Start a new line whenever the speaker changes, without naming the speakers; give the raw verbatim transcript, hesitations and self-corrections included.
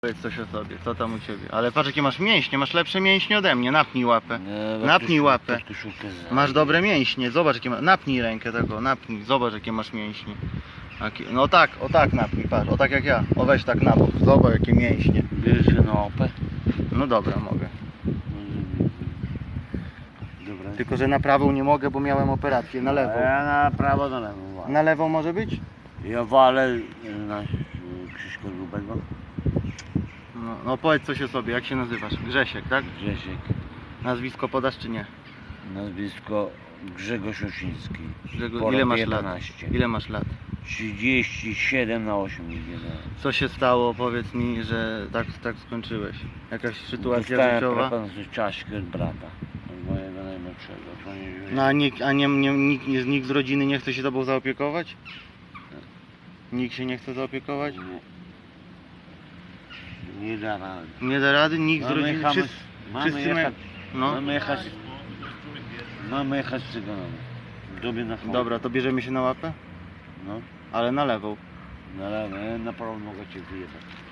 Powiedz coś o sobie, co tam u ciebie? Ale patrz jakie masz mięśnie, masz lepsze mięśnie ode mnie, napnij łapę.
Nie,
Napnij
koszul-
łapę.
pod koszulkę za-
Masz dobre mięśnie, zobacz jakie masz, napnij rękę tego, napnij, zobacz jakie masz mięśnie. Jakie- No tak, o tak napnij, patrz, o tak jak ja, o weź tak na bok, zobacz jakie mięśnie.
Bierzesz się na opę?
No dobra, mogę.
Dobra.
Tylko, że na prawą nie mogę, bo miałem operację, na
A
lewą.
ja na prawo, na lewo walę.
Na lewą może być?
Ja walę na Krzyśka Grubego.
No, no powiedz coś o sobie, jak się nazywasz? Grzesiek, tak?
Grzesiek.
Nazwisko podasz czy nie?
Nazwisko Grzegorz Osiński.
Grzegorz, ile masz lat?
jedenaście.
Ile masz lat?
trzydzieści siedem na osiem idzie.
Co się stało, powiedz mi, że tak, tak skończyłeś? Jakaś sytuacja
Dostałem
życiowa?
propozycję czaszki od brata. Od mojego najmłodszego. To nie
No a, nikt, a nie, nie, nikt, nie, nikt z rodziny nie chce się tobą zaopiekować? Nikt się nie chce zaopiekować?
Nie, nie da rady.
Nie da rady? Nikt z
Mamy
rodziny?
jechać,
Wszyscy,
mamy
wszyscy
jechać,
no.
mamy jechać, mamy jechać z cyganami. Dobie na froncie.
Dobra, to bierzemy się na łapę?
No,
Ale na lewą.
na lewo, na prawo mogę cię wyjechać.